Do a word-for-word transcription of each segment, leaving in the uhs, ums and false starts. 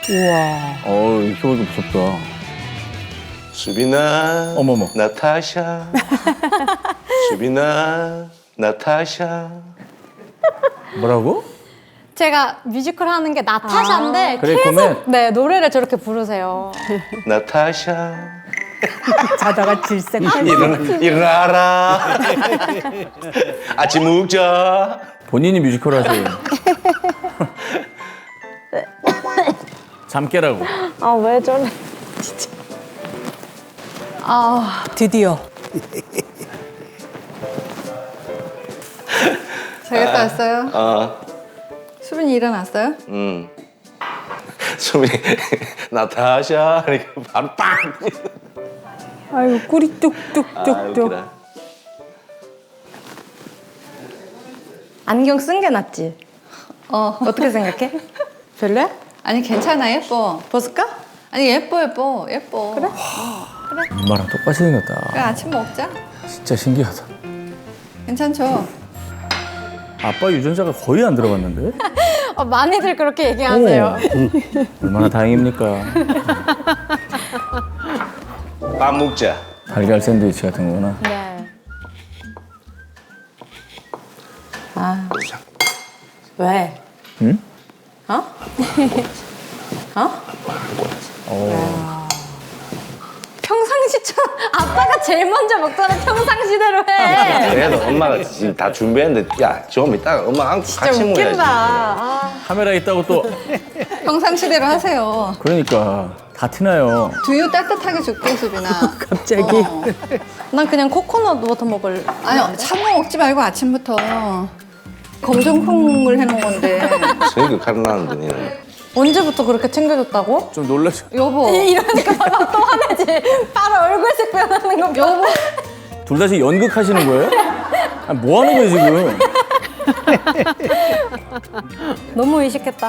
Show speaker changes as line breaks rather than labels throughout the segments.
우와.
어, 이렇게 보니까 무섭다.
수빈아,
어머머.
나타샤. 수빈아, 나타샤.
뭐라고?
제가 뮤지컬 하는 게 나타샤인데
아, 그래,
계속
그러면-
네 노래를 저렇게 부르세요.
나타샤.
자다가 질색.
일어나, 일어나라. 아침 먹자.
본인이 뮤지컬 하세요. 잠 깨라고.
아 왜 저래?
드디어.
자겠다 왔어요?
어,
수빈이 일어났어요?
음. 수빈이, 나타샤. 이렇게 바로 빵.
아이고 꿀이
아,
뚝뚝뚝뚝.
웃기다.
안경 쓴 게 낫지.
어.
어떻게 생각해? 별로야?
아니 괜찮아 예뻐.
벗을까?
아니 예뻐 예뻐 예뻐. 그래?
엄마랑 똑같이 생겼다.
그래 아침 먹자.
진짜 신기하다.
괜찮죠?
아빠 유전자가 거의 안 들어갔는데?
어, 많이들 그렇게 얘기하세요.
얼마나 다행입니까?
밥 먹자.
달걀 샌드위치 같은 거구나.
네.
아
왜?
응?
어? 어?
어.
평상시처럼 아빠가 제일 먼저 먹자는 평상시대로 해.
그래도 엄마가 지금 다 준비했는데, 야, 좀 이따가 엄마 안고
진짜
같이
웃긴다.
먹어야지.
아,
카메라 있다고 또
평상시대로 하세요.
그러니까 다 티나요.
두유 따뜻하게 줄게 수빈아.
갑자기.
어.
난 그냥 코코넛 워터 먹을.
아니 찬거 먹지 말고 아침부터 검정콩을 해놓은 건데.
저희가 칼나는데 니는.
언제부터 그렇게 챙겨줬다고?
좀 놀라죠.
여보.
이러니까 바로 또 화내지. 바로 얼굴색 변하는 거. 여보.
둘 다시 연극하시는 거예요? 아니, 뭐 하는 거예요 지금?
너무 의식했다.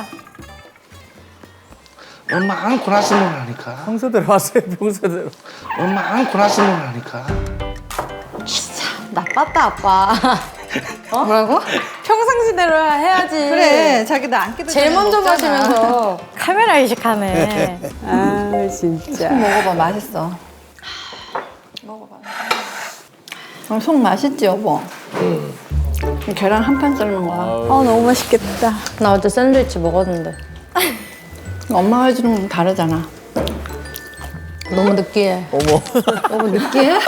엄마 안고 나서 먹으라니까.
평소대로 하세요 평소대로.
엄마 안고 나서 먹으라니까.
나빴다 아빠.
어? 뭐라고?
평상시대로 해야지.
그래 자기 나 안기도
제일
전에
먼저
먹잖아.
마시면서 카메라 의식하네.
아 진짜.
먹어봐 맛있어. 먹어봐. 어, 속 맛있지 여보? 응. 계란 한 판 삶은 거야.
아 너무 맛있겠다. 나 어제 샌드위치 먹었는데
엄마가 해주는 건 다르잖아.
너무 느끼해.
어머.
여보 느끼해?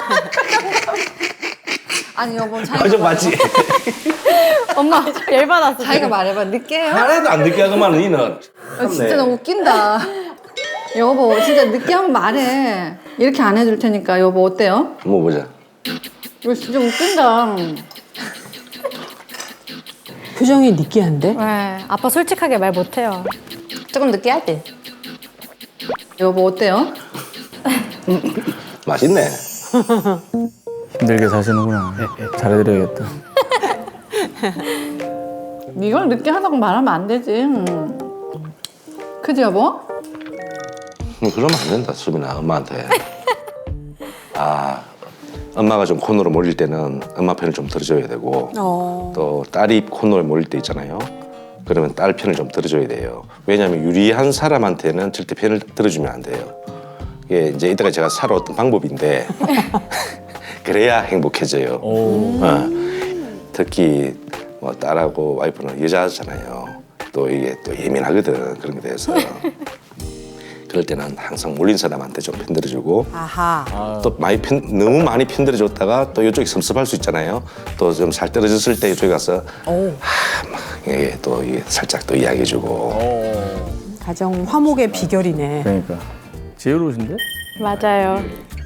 아니 여보 자기가
좀 맞지?
엄마 열받았어.
자기가 말해봐 느끼해요?
하나도 안 느끼하구만 니는.
아, 진짜 너무 웃긴다. 여보 진짜 느끼하면 말해. 이렇게 안 해줄 테니까 여보 어때요?
뭐 보자.
이거 진짜 웃긴다.
표정이 느끼한데?
네, 아빠 솔직하게 말 못해요. 조금 느끼하지?
여보 어때요?
맛있네.
힘들게 사시는구나. 잘해드려야겠다.
이걸 느끼하다고 말하면 안 되지. 음. 그지 여보?
뭐 그러면 안 된다 수빈아 엄마한테. 아 엄마가 좀 코너로 몰릴 때는 엄마 편을 좀 들어줘야 되고
어.
또 딸이 코너로 몰릴 때 있잖아요. 그러면 딸 편을 좀 들어줘야 돼요. 왜냐하면 유리한 사람한테는 절대 편을 들어주면 안 돼요. 이게 이제 이따가 제가 살아왔던 방법인데 그래야 행복해져요.
오.
어, 특히 뭐 딸하고 와이프는 여자잖아요. 또 이게 또 예민하거든 그런 게 대해서. 그럴 때는 항상 몰린 사람한테 좀 편들어주고
아하.
또 많이 편, 너무 많이 편들어줬다가 또 이쪽이 섭섭할 수 있잖아요. 또 좀 살 떨어졌을 때 이쪽에 가서
오.
하, 막 이게 또 이게 살짝 또 이야기해주고
어.
가정 화목의 비결이네.
그러니까 지혜로우신데?
맞아요.